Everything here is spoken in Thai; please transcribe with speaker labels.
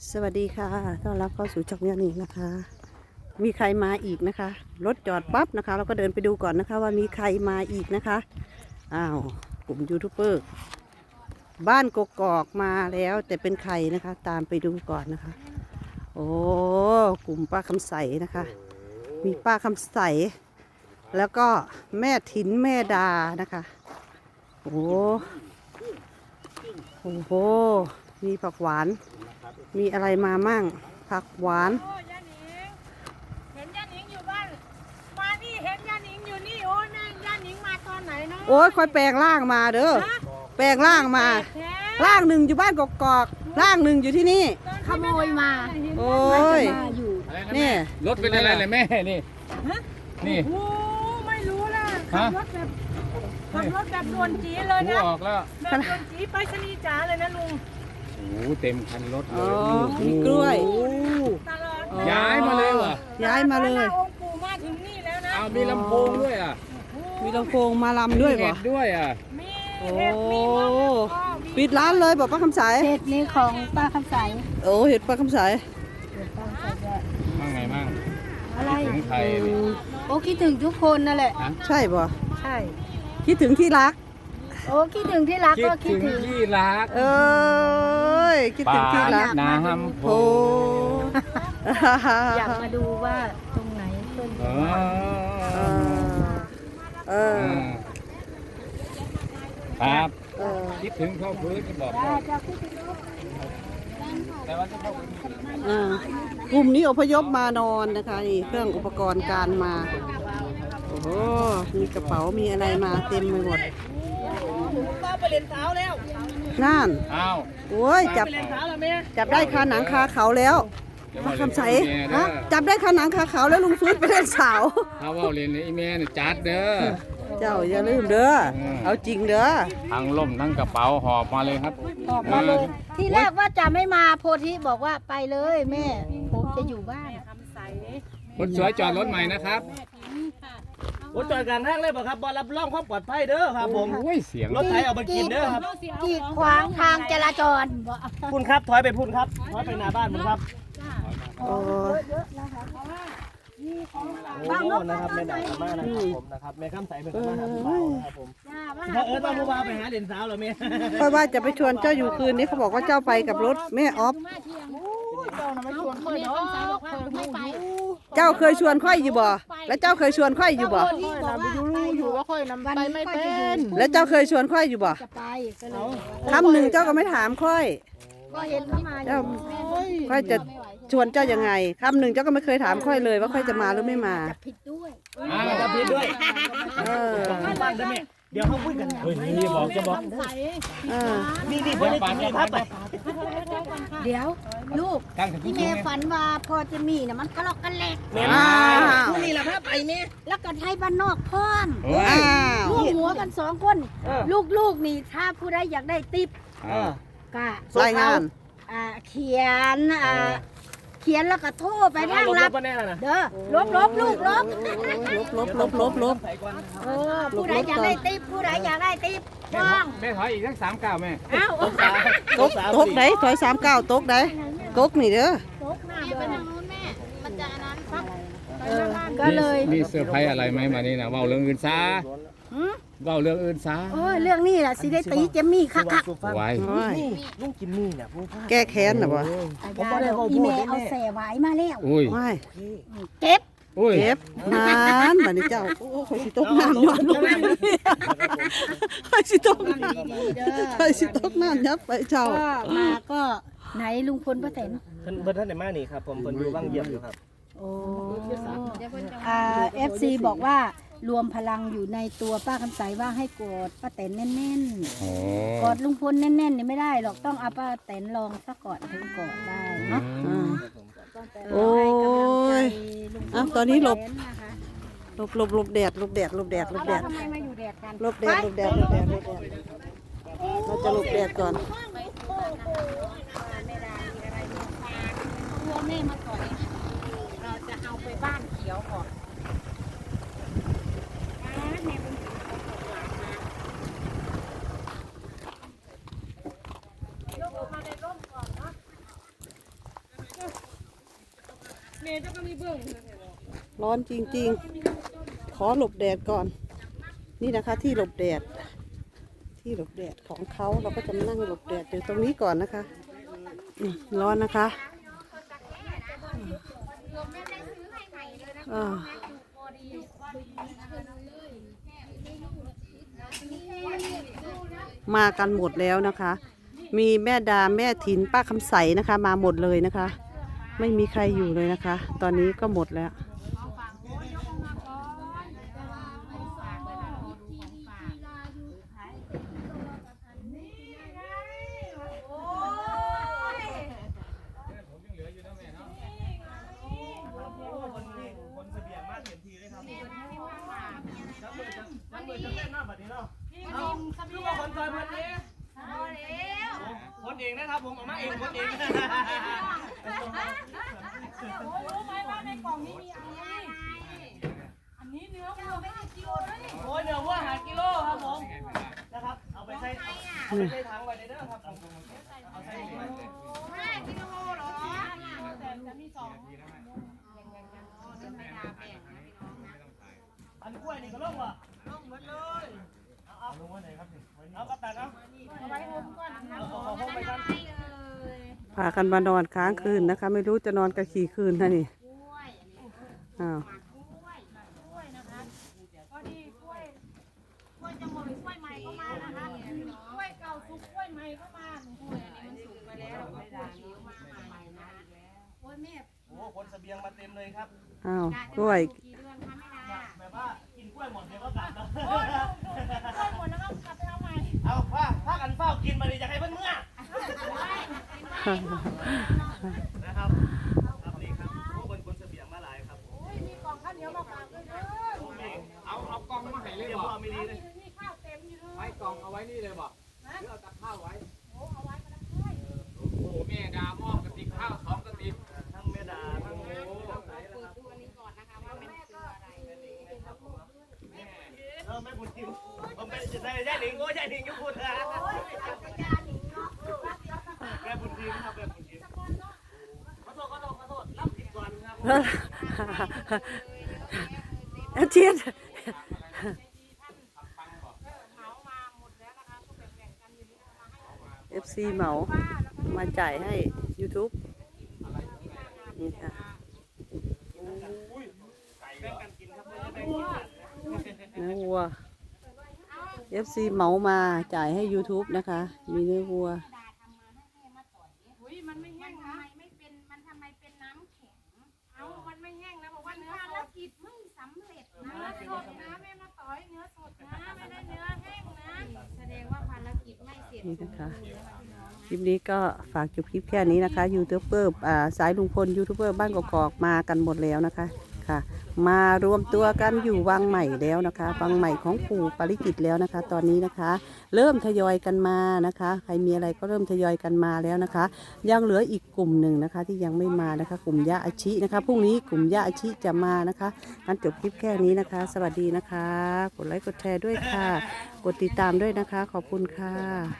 Speaker 1: สวัสดีค่ะต้อนรับเข้าสู่ช่องยานิงนะคะมีใครมาอีกนะคะรถจอดปั๊บนะคะเราก็เดินไปดูก่อนนะคะว่ามีใครมาอีกนะคะอ้าวกลุ่มยูทูบเบอร์บ้านกกอกมาแล้วแต่เป็นใครนะคะตามไปดูก่อนนะคะโอ้กลุ่มป้าคำใสนะคะมีป้าคำใสแล้วก็แม่ถิ่นแม่ดานะคะโอ้โหมีผักหวานมีอะไรมามั่งผักหวาน
Speaker 2: โอ้ย่าหนิงเห็นย่าหนิงอยู่บ้านมานี่เห็นย่าหนิงอยู่นี่โอ้แม่ย่าหนิงมาตอนไหนเนาะ
Speaker 1: โอ้ยค่อยแปลงร่างมาเด้อแปลงร่างมาร่างหนึ่งอยู่บ้านกกอกร่างหนึ่งอยู่ที่นี่
Speaker 2: ขโมยมา
Speaker 1: โอ้ยนี่
Speaker 3: รถเป็นอะไรเลยแม่นี่นี่
Speaker 2: โอ้ไม่รู้ล่ะขับรถแบบด่วนจีเลย
Speaker 3: หู
Speaker 2: นะ
Speaker 3: ออกแล้ว
Speaker 2: แบบด่วนจีไปสนีย์จ๋าเลยนะลุง
Speaker 3: โอ้โหเต็มคันรถเล
Speaker 1: อ๋อย มีกล้วย
Speaker 2: ตลอด
Speaker 1: อ๋อ
Speaker 3: ย้ายมาเลยว่ะ
Speaker 1: ย้ายมาเลย
Speaker 2: องค์ปู่มาถึงนี่แล้วนะ
Speaker 3: เอามีลำโพงด้วยอ่ะ
Speaker 1: มีลำโพงมาลำด้วย
Speaker 3: มี
Speaker 1: บ่
Speaker 3: เห็ดด้วยอ่ะ
Speaker 2: มี
Speaker 1: โอ้
Speaker 2: เห็ดมีมะละกอมี
Speaker 1: ปิดร้านเลยบอกป้าคำใส
Speaker 4: เห็ดนี้ของป้าคำใส
Speaker 1: โอ้เห็ดป้าคำใส
Speaker 4: เห็ดป้าคำใสด้วย
Speaker 3: มั่งไงมั่ง
Speaker 4: อะไร
Speaker 3: ถึงไทยนี่
Speaker 4: โอ้คิดถึงทุกคนนั่นแหละ
Speaker 1: ใช่บ่
Speaker 4: ใช่
Speaker 1: คิดถึงที่รัก
Speaker 4: โอ้คิดถึงที่รัก
Speaker 3: คิด
Speaker 4: ก็คิ
Speaker 3: ถึ
Speaker 4: ด
Speaker 3: ง
Speaker 4: ถึง
Speaker 3: ที่รัก
Speaker 1: เอ้ยคิดถึงที่รัก
Speaker 3: น้ำโพ
Speaker 1: โอ้
Speaker 4: อยากมาดูว่าตรงไหนเพิ่น
Speaker 3: เอ
Speaker 1: เอ
Speaker 3: อ
Speaker 1: อเออ
Speaker 3: ครับ
Speaker 1: เออ
Speaker 3: คิดถึงเข้าพื้นก็บอกก่อนแต่ว่าจะเข้าพื้น
Speaker 1: กลุ่มนี้อพยพมานอนนะคะนี่เครื่องอุปกรณ์การมาโอ้โหมีกระเป๋ามีอะไรมาเต็มไปหมด
Speaker 2: ป้าไปเล่นเท้าแล้ว
Speaker 1: นั่น
Speaker 3: อ้าว
Speaker 1: โอ้ยจับ
Speaker 2: ไปเล่นเท้าแล้วแม่
Speaker 1: จับได้คาหนังคาเขาแล้วมาคำใสฮะจับได้คาหนังคาเขาแล้วลุงฟื้นไปเล่นสาว
Speaker 3: ถ้าว่าเรียนในอีเมลจัดเด้อ
Speaker 1: เจ้าอย่าลืมเด้อเอาจริงเด้อ
Speaker 3: ทั้งล่มทั้งกระเป๋าหอบมาเลยครับ
Speaker 4: ออกมาเลยที่แรกว่าจะไม่มาโพธิบอกว่าไปเลยแม่ผมจะอยู่บ้าน
Speaker 2: คำใส
Speaker 3: คนสวยจอดรถใหม่นะครับ
Speaker 5: รถจอดกลางทางเลยป่ะครับบอรับรองความปลอดภัยเด้อครับผม
Speaker 3: โอ้ยเสียง
Speaker 5: รถไถเอามากินเด้อครับ
Speaker 4: กีดขวางทางจราจร
Speaker 5: พุ่นครับถอยไปพุ่นครับถอยไปหน้าบ้านผมครับ
Speaker 1: โอ้
Speaker 5: โอ้นะครับแม่ด่ามากนะครับผมนะครับแม่ข้ามใสเป็นคนมาหาผู้บ่าวนะครับผมถ้าต้องผู้บ่าวไปหาเหรียญสาวเหรอแม่
Speaker 1: เพราะว่าจะไปชวนเจ้าอยู่คืนนี้เขาบอกว่าเจ้าไปกับรถแม่ออฟเจ้าเคยชวนค่อยอยู่บ่แล้วเจ้าเคยชวนค่อยอยู่บ่
Speaker 4: อยู่ว่าค่อยนำไปไม่เป็น
Speaker 1: แล้วเจ้าเคยชวนค่อยอยู่บ่
Speaker 4: จะไปก็เลย
Speaker 1: คำหนึ่งเจ้าก็ไม่ถามค่อย
Speaker 4: ก็เห็นเขามาอยู่
Speaker 1: เจ้าค่อยจะชวนเจ้ายังไงคำหนึ่งเจ้าก็ไม่เคยถามค่อยเลยว่าค่อยจะมาหรือไม่มา
Speaker 4: ผิดด้วย
Speaker 5: จะพิดด้วย
Speaker 1: เออ
Speaker 5: บ้านได้ไหมเดี๋ยวเขาคุยกันเฮ้ยนี่บอกจะบอก
Speaker 1: เออ
Speaker 5: นี่เพื่อนปานนี่ครับไป
Speaker 4: เดี๋ยวลูก
Speaker 3: ตั้งแต่
Speaker 4: ที่
Speaker 3: ที่
Speaker 4: แม่ฝันว่าพอจะมีน่ะมันก็ลอกกันแหลก
Speaker 1: อ้าว
Speaker 5: นี่แหละครับไปแม่
Speaker 4: แล้วก็ไทยบ้านนอกพร้อม
Speaker 3: โอ้ย
Speaker 1: อ้าว
Speaker 4: ร่วมหัวกันสองคน ลูกนี่ถ้าผู้ใดอยากได้ติป ก็
Speaker 1: รายงาน
Speaker 4: เขียนเขียนแล้วก็โทรไปทางรับ
Speaker 5: มาแน่นะ
Speaker 4: เด้อลบลูกลบ
Speaker 1: ลบ
Speaker 4: ผู้ใดอยากได้ติปผู้ใดอยากได้ติปฟ้อง
Speaker 3: แม่ถอยอีกสัก3 ก้าวแม่
Speaker 4: เอ้า
Speaker 1: ตกไหนถอย39ตกไหนตกนี่เด้อ
Speaker 4: ก็เลย
Speaker 3: มีเซอร์ไพรส์อะไรไหมมานี่นะเว้าเรื่องอื่นซะเว้าเรื่องอื่นซะ
Speaker 4: โอ้ยเรื่องนี้แหละสิได้ตีเจมมี่คัก
Speaker 3: ไว้
Speaker 1: โอ้ย
Speaker 5: ลุงกินนี่เนี่ยผู้พา
Speaker 1: แก้แค้นน่ะบ่
Speaker 4: ๆอีเมลเอาแส่ไว้มาแล้ว
Speaker 3: อุ้ย
Speaker 1: ไม่
Speaker 4: เก็บ
Speaker 3: อุ้ย
Speaker 1: เก็บนานบัดนี้เจ้าโอ้ยสิตกน้ำย้อนลงไปค่อยสิตกค่อยสิตกน้ำยับไปเจ้า
Speaker 4: ก็มาก็ไหนลุงพลป้าแตน
Speaker 5: เพิ่นท่านไหนมานี่ครับผมเพิ่นอยู่บ้างเยี่ยมอยู่ครับ
Speaker 4: โอ้FC บอกว่ารวมพลังอยู่ในตัวป้าคำใสว่าให้กอดป้าแตนแน่น
Speaker 3: โอ้
Speaker 4: ๆกอดลุงพลแน่นๆนี่ไม่ได้หรอกต้องเอาป้าแตนลองซะก่อนถึงกอดได้เนาะ
Speaker 1: โอ้ย
Speaker 4: ให้กำลังใจลุงพล
Speaker 1: ตอนนี้หลบ
Speaker 4: ป้าแตนะคะ
Speaker 1: หลบแดดหลบแดดหลบแดดหลบแดด
Speaker 4: ทำไมมาอยู่แดดกัน
Speaker 1: หลบแดดหลบแดดหลบแดดหลบแดดเราจะหลบแดดก่อน
Speaker 2: ตัวแม่มาก่อนเราจะเอาไปบ้านเขียวก่อนเมย์เจ้าก็มีเบื้อง
Speaker 1: ร้อนจริงๆ ขอหลบแดดก่อน นี่นะคะที่หลบแดด ที่หลบแดดของเขาเราก็จะมานั่งหลบแดดอยู่ตรงนี้ก่อนนะคะร้อนนะคะมากันหมดแล้วนะคะ มีแม่ดาแม่ถินป้าคำใสนะคะ มาหมดเลยนะคะ ไม่มีใครอยู่เลยนะคะ ตอนนี้ก็หมดแล้ว
Speaker 5: คนเสบียงมากเต็มทีเลยครับจับมือจะเล่นมากแบบนี้เนาะเอาคือว่าคนซอยคนนี้คนเองนะครับผมเอามาเองคนเอง
Speaker 2: รู้ไหมว่าในกล่องนี้มีอะไรอันนี้เนื้อวัวไม่กี่กิโลแล้วนี่
Speaker 5: โอ้ยเนื้อวัวหากิโลครับผมนะครับเอาไปใช้ถังไว้ในเด้อครับเอาใส่ถุง
Speaker 2: 5 กิโลเหรอแต่จะมี2
Speaker 5: อันกล้วยนี่ก็ลงว่ะลงหมดเลยเอาลงไว้ไหนครับเอากระตันเอา
Speaker 2: เอาไว้หุมก่อนนะ
Speaker 5: เอาห้องไปกัน
Speaker 1: พากันมานอนค้างคืนนะคะ ไม่รู้จะนอนกันกี่คืนนะนี่อ้าว
Speaker 2: พอดีกล้วยจะหมดกล้วยใหม่ก็มานะคะกล้วยเก่าสุกกล้วยใหม่ก็มาโอ้ยอันนี้มันสุกไปแล้วกล้วยเขียวมาใหม่นะโอ้ยแม่
Speaker 5: โอ้คนเสบียงมาเต็มเลยครับ
Speaker 1: อ้าวกล้วย
Speaker 2: กี่เดือนคะแม่ดา
Speaker 5: แบบว่ากินกล้วยหมดเดี๋ยวก็กลับแล้ว
Speaker 2: โอ้ยกล้วยหมดแล้วก็กลับไปเอาใหม่
Speaker 5: เอาผ้ากันเฝ้ากินมาดิจะให้เพื่อนเมื่อนะครับครับนี่ครับคนเสบียงมาหลายครับ
Speaker 2: โอ้ยมีกล่องข้าวเหนียวมาฝากด้วยเด้อ
Speaker 3: เอากล่องมาให้เลย
Speaker 5: เดี๋ยว
Speaker 3: บ่
Speaker 5: พ่อไม่ดีเลย
Speaker 2: นี่ข้าวเต็มอยู่เลย
Speaker 3: ไว้กล่องเอาไว้นี่เลยบ่หรือเอาตักข้าวไว้
Speaker 2: โอ้เอาไว้ก็ได้
Speaker 3: โอ้โหแม่ดามอบกระติกข้าว2 กระติก
Speaker 5: ทั้งเมดาทั้งโอ้แม่บุญทิมผมเป็นจะได้ยายหนิงโอ้ยายหนิงยุคพุทธะแม่บุญทิมครับแม่บุญทิมขอโทษรับผิดก่อนครับ
Speaker 1: อาเชียน FC เหมามาจ่ายให้ YouTube นี่ค่ะ
Speaker 5: แบ่งกันกินครับแบ่งกิน
Speaker 1: เนื้อวัว FC เหมามาจ่ายให้ YouTube นะคะ มีเนื้อวัว
Speaker 2: อุ้ยมันไม่แห้งนะมันทำไมเป็นน้ำแข็งเอามันไม่แห้งนะบอกว่าเนื้อสดกิจไม่สำเร็จนะเนื้อสดนะแม่มาต่อยเนื้อสดนะไม่ได้เนื้อแห้งนะแสดงว่าภารกิจไม่เสร็จ
Speaker 1: นี่นะคะ คลิปนี้ก็ฝากจบคลิปแค่นี้นะคะยูทูบเบอร์สายลุงพลยูทูบเบอร์บ้านกอกๆมากันหมดแล้วนะคะค่ะ มารวมตัวกันอยู่วังใหม่แล้วนะคะวังใหม่ของปู่ปาริจิตแล้วนะคะ ตอนนี้นะคะ เริ่มทยอยกันมานะคะ ใครมีอะไรก็เริ่มทยอยกันมาแล้วนะคะ ยังเหลืออีกกลุ่มหนึ่งนะคะ ที่ยังไม่มานะคะ กลุ่มย่าอาชินะคะพรุ่งนี้กลุ่มย่าอาชิจะมานะคะงั้นจบคลิปแค่นี้นะคะ สวัสดีนะคะ กดไลค์กดแชร์ด้วยค่ะ กดติดตามด้วยนะคะ ขอบคุณค่ะ